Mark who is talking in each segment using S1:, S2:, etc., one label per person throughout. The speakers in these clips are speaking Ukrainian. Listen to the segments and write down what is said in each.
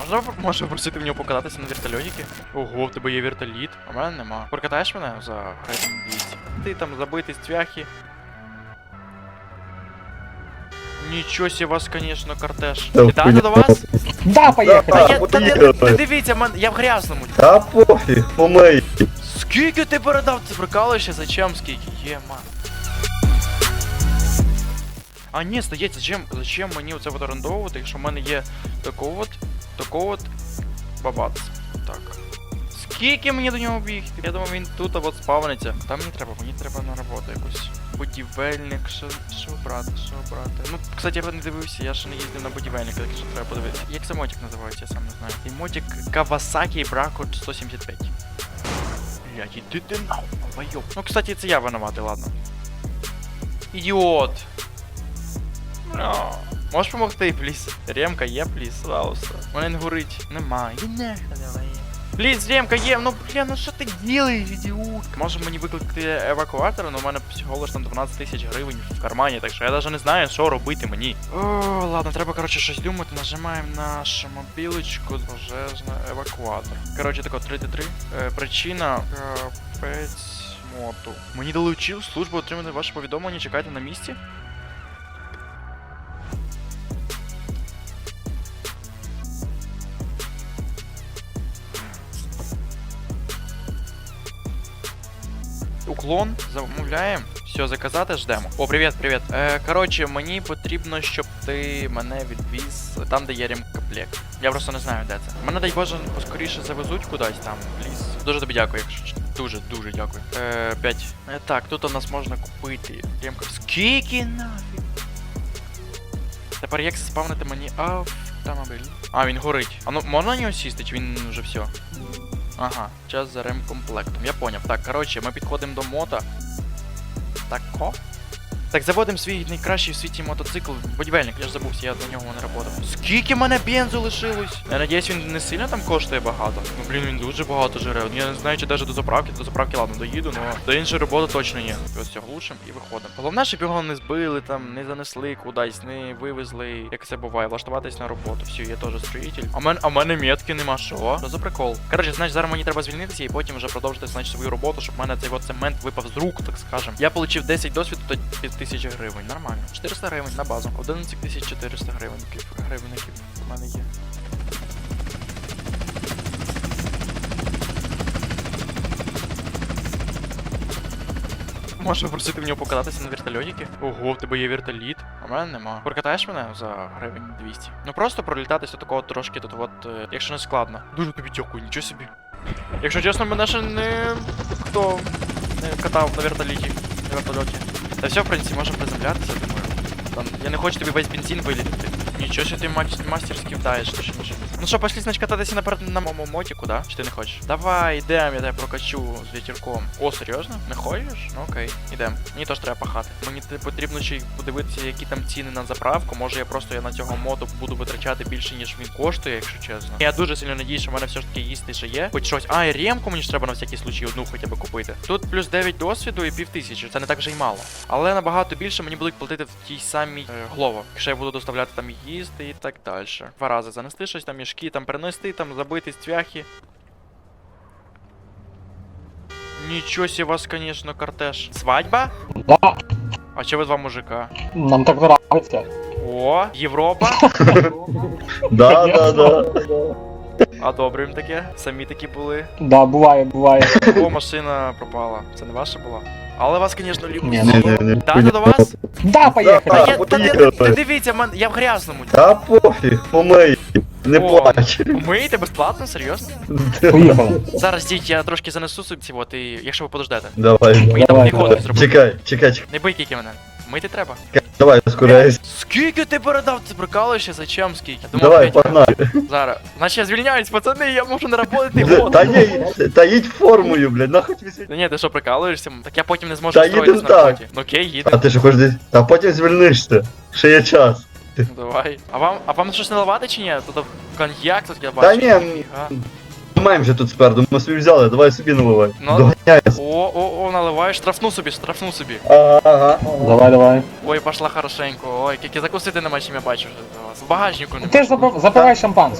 S1: Можна попросити в нього покататися на вертольотики? Ого, в тебе є вертоліт, а в мене нема. Прокатаєш мене за гривень 200? Ти там забитий з цвяхи. Нічого себе вас, конечно, кортеж. Вітаю до вас?
S2: Да, поехали.
S1: Та дивіться, я в грязному.
S3: Та пофіг, помий.
S1: Скільки ти передав? Ти прикалуєшся? Зачем скільки? Єма. А ні, стоять, зачем мені оце от орендовувати, якщо в мене є такого от бабац. Так. Скільки мені до нього бігти? Я думав, він тут от спавниться. Там мені треба на роботу якусь. Будівельник, що брати. Ну, кстати, я не дивився, я ще не їздив на будівельника, так що треба подивитися. Як це мотик називається, я сам не знаю. І мотик Kawasaki Bracco 175. Блядь, іди ти нахуй. Ну, кстати, це я винуватий, ладно. Ідіот! Можеш помогти, пліз? Ремка є, пліз? Пожалуйста. Мене не горить. Нема. Іди нахуй давай. Пліз, Ремка є, ну бля, ну що ти делаєш, ідіот? Може мені викликати евакуатор, але у мене всього лиш там 12 тисяч гривень в кармані, так що я навіть не знаю, що робити мені. О, ладно, треба, коротше, щось думати. Нажимаємо нашу мобілочку, пожежна, евакуатор. Коротше, тако, 3D3. Причина, капець моту. Мені долучив службу отримати ваше повідомлення, чекайте на місці. Уклон, замовляємо. Все, заказати, ждемо. О, привіт. Коротше, мені потрібно, щоб ти мене відвіз там, де є ремкомплект. Я просто не знаю, де це. Мене, дай Боже, поскоріше завезуть кудись там, в ліс. Дуже тобі дякую, якщо дуже дякую. 5. Так, тут у нас можна купити ремку. Скільки нафіг? Тепер як спавнити мені автомобіль? А, він горить. А ну, можна на нього сісти, чи він вже все? Ага, час за ремкомплектом. Я поняв. Так, коротше, ми підходимо до мота. Тако? Так, заводимо свій найкращий в світі мотоцикл. Будівельник, я ж забувся, я на нього не працював. Скільки мене бензу лишилось? Я надіюсь, він не сильно там коштує багато. Ну, блін, він дуже багато жире. Я не знаю, чи навіть до заправки, ладно, доїду, але до іншої роботи точно ні. Ось цього глушимо і виходимо. Головне, щоб його не збили, там, не занесли кудись, не вивезли, як це буває, влаштуватись на роботу. Все, я теж строїтель. А в мене метки нема, що? Що за прикол? Коротше, значить, зараз мені треба звільнитися і потім вже продовжити, значить, свою роботу, щоб в мене цей от цемент випав з рук, так скажем. Я отримав 10 досвіду, то 5000 гривень. Нормально. 400 гривень на базу. 11400 гривенників в мене є. Можна попросити в нього покататися на вертольотики? Ого, в тебе є вертоліт, а в мене нема. Прокатаєш мене за гривень 200? Ну просто пролітатися такого трошки тут от, якщо не складно. Дуже тобі дякую, нічого собі. Якщо чесно, мене ще хто не катав на вертоліті. Та все, в принципі, можемо приземлятися, думаю. Там, я не хочу тобі весь бензин вилітати. Нічого, що ти мастерськи вдаєш, точніше. Ну що, пошли, значить, кататися на моєму мотику, да? Чи ти не хочеш? Давай, йдем, я тебе прокачу з вітірком. О, серйозно? Не хочеш? Ну окей, йдем. Мені теж треба пахати. Мені потрібно ще й подивитися, які там ціни на заправку. Може я на цього моту буду витрачати більше, ніж він коштує, якщо чесно. Я дуже сильно надіюсь, що в мене все ж таки їсти ще є. Хоч щось. А, і ремку мені ж треба на всякий случай одну хоча б купити. Тут плюс 9 досвіду і 5000. Це не так вже й мало. Але набагато більше мені будуть платити в тій самій Глово. Якщо я буду доставляти там їсти і так далі. 2 рази занести щось там, мішки, там принести, там забити цвяхи. Нічого себе вас, конечно, кортеж. Свадьба?
S2: Да,
S1: А че ви 2 мужика?
S2: нам так нравится.
S1: О, Європа?
S3: Да.
S1: Одобрюємо таке. Самі такі були.
S2: Да, бывает.
S1: О, машина пропала. Це не ваша була? Але вас, звісно, люблю.
S3: Не.
S1: Да, до вас?
S2: Да, поехали.
S1: Та дивіться, я в грязному.
S3: Та пофіг, помий. Не
S1: О,
S3: плач.
S1: Миєте безплатно? Серйозно?
S2: Поехали.
S1: Зараз, діть, я трошки занесу собі, от, і якщо ви подождете.
S3: Давай.
S1: Мені там
S2: Давай,
S1: підходить зробити.
S3: Чекай.
S1: Не бий кіки мене. Мити треба.
S3: Давай, ускоряйся.
S1: Скільки ти передав? Ти прикалуєшся? Зачем скільки?
S3: Давай, погнали.
S1: Зараз. Значить я звільняюсь, пацани, я можу не работати год.
S3: Та їдь формою, блядь, нахуй тобі світ.
S1: Та ні, ти що, прикалуєшся? Так я потім не зможу
S3: Та
S1: встроїтись
S3: їдем
S1: на
S3: так.
S1: роботі. Ну окей,
S3: А
S1: їдемо.
S3: ти що хочеш десь? Та потім звільнишся. Ще є час.
S1: Ну, давай. А вам щось наливати чи ні? Тут коньяк, тут я
S3: Та
S1: бачу.
S3: ні,
S1: Ніфіга.
S3: маємо вже тут спереду, ми собі взяли, давай собі наливай.
S1: Ну.
S3: Доганяй.
S1: О, наливаєш, штрафну собі.
S3: Ага.
S2: Давай.
S1: Ой, пошла хорошенько. Ой, тільки закусити нема чим, я бачу вже за вас. В багажнику нема.
S2: Ты же запивай шампанским.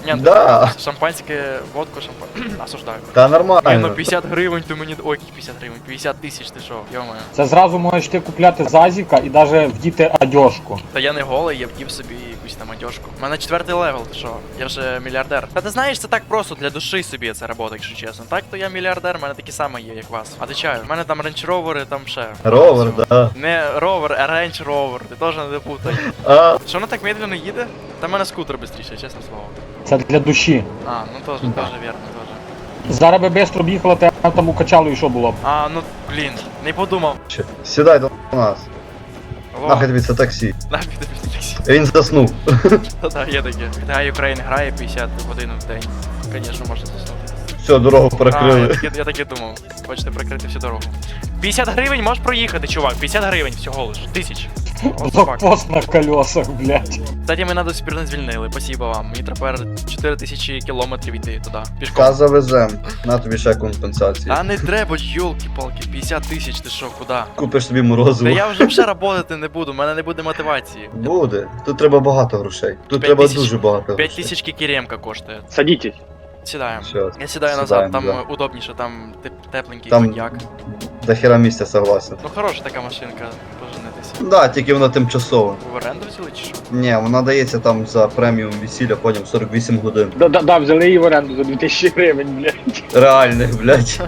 S1: Ні, ну,
S3: Да.
S1: шампанське, водку, осуждаю.
S3: Та
S1: Ні, ну
S3: нормально.
S1: 50 гривень ти мені... Ой, які 50 гривень, 50 тисяч, ти що, йомаю.
S2: Це зразу можеш ти купляти зазіка і навіть вдіти одежку.
S1: Та я не голий, я вдів собі якусь там одежку. У мене 4-й левел, ти що? Я вже мільярдер. Та ти знаєш, це так просто для душі собі це робота, якщо чесно. Так, то я мільярдер, в мене такі самі є, як вас. Отвечаю, в мене там рейндж-ровери, там ще.
S3: Ровер, да.
S1: Не ровер, а рейндж-ровер, ти теж не путай.
S3: А,
S1: Що воно так медленно їде? Та в мене скутер швидше, чесне слово.
S2: Це для душі.
S1: А, ну теж вірно, теж.
S2: Зараз би швидко б їхала, ти там укачало і що було б.
S1: А, ну блін, не подумав.
S3: чи- сідай до нас.
S1: Алло,
S3: Нахай тобі це таксі.
S1: нахід тобі таксі.
S3: Він заснув.
S1: Та-та, є таке. GTA Ukraine грає 50 годин в день. Звісно, можна заснути.
S3: Все, дорогу
S1: А,
S3: перекрили.
S1: я так і думав. Хочете прикрити всю дорогу. 50 гривень можеш проїхати, чувак. 50 гривень всього лиш. 1000. What the fuck?
S2: Блокпост на колесах, блядь.
S1: Кстати, мене до сих пір не звільнили. Спасибо вам. Мені тепер 4000 кілометрів йти туди. Пішком.
S3: Та завезем. На тобі ще компенсації.
S1: Та не треба, йолки-палки, 50 тисяч, ти що, куди?
S3: Купиш собі
S1: Та
S3: морозиво.
S1: я вже работати не буду, в мене не буде мотивації.
S3: Буде. Тут треба багато грошей. Тут
S1: 5
S3: треба
S1: тисяч.
S3: дуже багато
S1: 5
S3: грошей.
S1: тисяч кікеремка коштує.
S4: Садитесь.
S1: Сідаємо.
S3: Щас.
S1: Я сідаю назад,
S3: Сідаємо,
S1: там
S3: да.
S1: удобніше, там тепленький
S3: Там-
S1: коньяк.
S3: До хера місця согласен.
S1: Ну хороша така машинка, поженитися.
S3: Да, тільки вона тимчасова.
S1: Ви в оренду взяли чи що?
S3: Ні, вона дається там за преміум весілля, потім 48 годин.
S4: Да, взяли її в оренду за 2000 гривень, блядь.
S3: Реальних, блядь.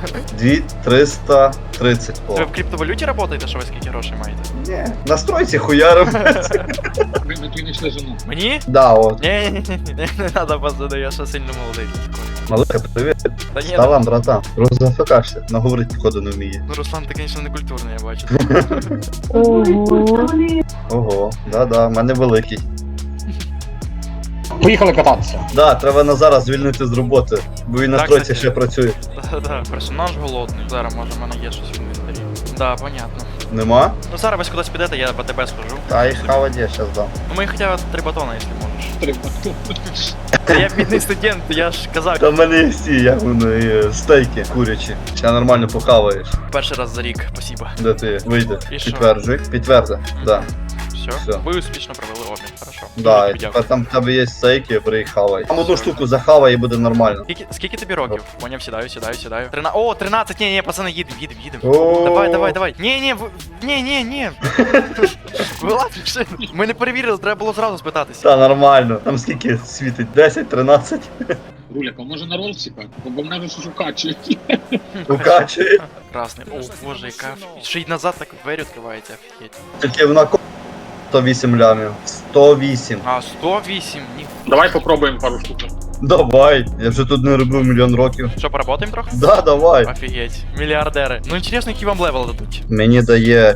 S3: 2330. О.
S1: Ви в криптовалюті працюєте, що ви скільки грошей маєте?
S3: Ні. Настройці хуяром.
S4: Ви знайшли жену.
S1: Мені?
S3: Да, от.
S1: Ні, не треба, пацани, я ще сильно молодий.
S3: Малика, привіт.
S1: Та ні,
S3: Ставам, братан. Розафикашся. Наговорити походу не вміє.
S1: ну Руслан, ти, звісно, не культурний, я бачу.
S3: Ого, да-да, в мене великий.
S2: Поїхали кататися.
S3: Да, треба Назара звільнити з роботи, бо він на
S1: Так,
S3: тройці
S1: кстати.
S3: ще працює.
S1: Да, персонаж голодний. Зараз, може, в мене є щось в інвентарі. Да, понятно.
S3: Нема?
S1: Ну зараз ви кудись підете, я по тебе схожу.
S3: Та і хавать я щас дам.
S1: Ну мені хоча б 3 батона, якщо можеш.
S4: Треба.
S1: Та я бідний студент, я ж казав,
S3: Та в мене є всі, як вони, стейки курячі. Ще нормально похаваєш.
S1: перший раз за рік, спасибо.
S3: Де ти вийде?
S1: І що?
S3: Підтверджуй. Підтверди. Да.
S1: Все,
S3: Все.
S1: ви успішно провели обмін, хорошо.
S3: Да, і
S1: Тобі
S3: тепер
S1: дякую.
S3: там в тебе є стейки, бери і хавай. Там одну штуку захавай і буде нормально.
S1: Скільки тобі років? Поняв, сідаю. 13, ні, пацани, їдем.
S3: О.
S1: Давай. Ні. Вилазь, машину. Ми не перевірили, треба було зразу спитатися.
S3: Та нормально. Там скільки світить? 10, 13?
S4: Руля, поможе на ролсика, бо в мене щось укачують.
S3: Укачує.
S1: Красний. О, боже, яка. Ще й назад так двері відкривається, офігеть.
S3: Тільки вона 108 лямів. 108.
S1: А, 108, ні.
S4: Давай попробуємо пару штук.
S3: Давай. Я вже тут не робив мільйон років.
S1: Що, поработаємо трохи?
S3: Да, давай.
S1: Офігеть. Мільярдери. Ну, інтересно, який вам левел дадуть.
S3: Мені дає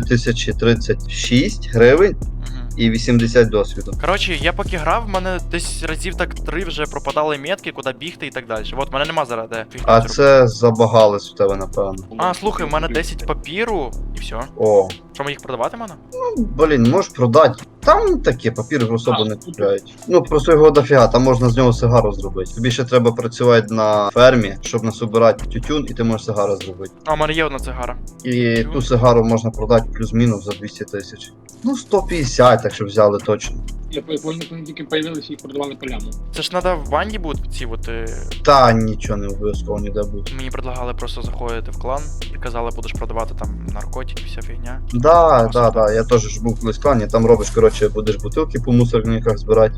S3: 4036 гривень
S1: Угу.
S3: і 80 досвіду.
S1: Коротше, я поки грав, в мене десь разів так 3 вже пропадали метки, куди бігти і так далі. От, в мене нема зараз де фігню
S3: А
S1: зробити.
S3: це забагалось в тебе, напевно.
S1: А, слухай, в мене 10 папіру і все.
S3: О,
S1: Що, ми їх продавати мене?
S3: блін, можеш продати. Там такі папіри особо не купляють. Ну просто його дофіга, там можна з нього сигару зробити. Тобі ще треба працювати на фермі, щоб насобирати тютюн, і ти можеш сигару зробити.
S1: А, в мене є одна цигара.
S3: І ту сигару можна продати плюс-мінус за 200 тисяч. Ну 150, так що взяли точно.
S4: Я помню, коли тільки появилися і продавали поляну.
S1: Це ж треба в банді бути ці от.
S3: Та нічого не обов'язково ніде буде.
S1: Мені предлагали просто заходити в клан і казали, будеш продавати там наркотики, вся фігня.
S3: Да, я теж ж був колись в клані, там робиш, коротше, будеш бутилки по мусорниках збирати.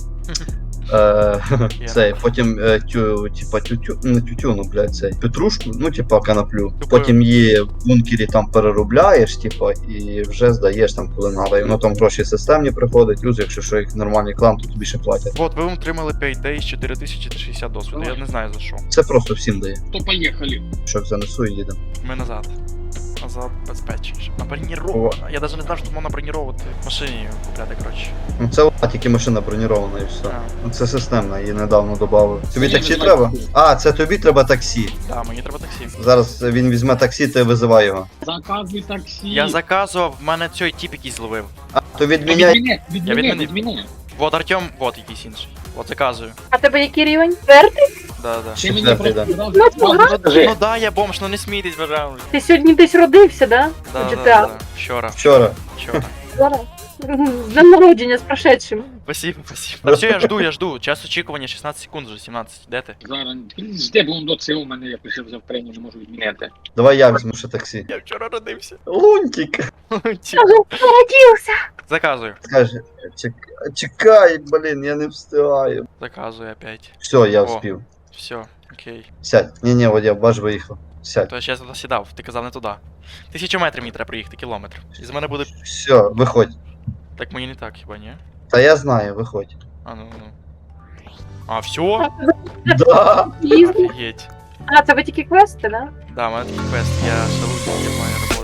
S3: Цей, потім типа не тютюну, блядь, цей петрушку, ну типа канаплю. Потім її в бункері там переробляєш, типа, і вже здаєш там коли надо. І воно там гроші системні приходить, плюс, якщо що їх нормальний клан, то тобі ще платять.
S1: От, ви отримали 5 days, 4060 досвіду, я не знаю за що.
S3: Це просто всім дає.
S4: То поїхали.
S3: Що занесу і їдемо.
S1: Ми назад. Назад безпечніше. На броніровано. Я навіть не знав, що можна броніровувати в машині купляти, коротше.
S3: Ну це тільки машина бронірована і все.
S1: А,
S3: Ну це системна, її недавно додали. Тобі
S4: Ні,
S3: таксі
S4: не
S3: треба?
S4: знаю.
S3: А, це тобі треба таксі.
S1: да, мені треба таксі.
S3: Зараз він візьме таксі, ти визивай його.
S4: Заказуй таксі.
S1: Я заказував, в мене цей тіп якийсь зловив.
S3: А, то
S4: Та
S3: відміняй.
S1: відмінив. Вот Артем, вот якийсь інший. От заказую.
S5: А тебе який рівень? Четвертий?
S1: Да.
S4: Ти мені
S3: Четвертий,
S4: просто
S5: Ну,
S4: одразу
S1: Ну да, я бомж, ну не смійтесь, пожалуйста.
S5: Ти сьогодні десь родився, да?
S1: Да,
S5: У
S1: да,
S5: GTA.
S1: да. Вчора.
S3: Вчора.
S1: Вчора.
S5: Зараз. З днем народження, з прошедшим.
S1: Спасибо, спасибо. Та все, я жду. Час очікування 16 секунд вже, 17. Де ти?
S4: Зараз. Жди, бо он до цього у мене, я пишив завтрення, не можу відміняти.
S3: Давай я візьму ще таксі.
S1: Я вчора родився.
S3: Лунтик.
S5: Народився.
S1: Заказую.
S3: Скаже, чекай, блін, я не встигаю.
S1: Заказую опять.
S3: Все, я
S1: О.
S3: вспів.
S1: Все, окей.
S3: Сядь. Ні, Водя, баш виїхав. Сядь.
S1: То я ще туди сідав, ти казав не туди. 1000 метрів мені треба проїхати, кілометр. І з мене буде.
S3: Все, виходь.
S1: Так мені не так, хіба ні?
S3: Та я знаю, виходь.
S1: А ну. А, все?
S3: Да.
S5: Їздив.
S1: Офігеть.
S5: А, це ви тільки квести, да?
S1: Да, у мене такий квест, я шалую, я маю роботу.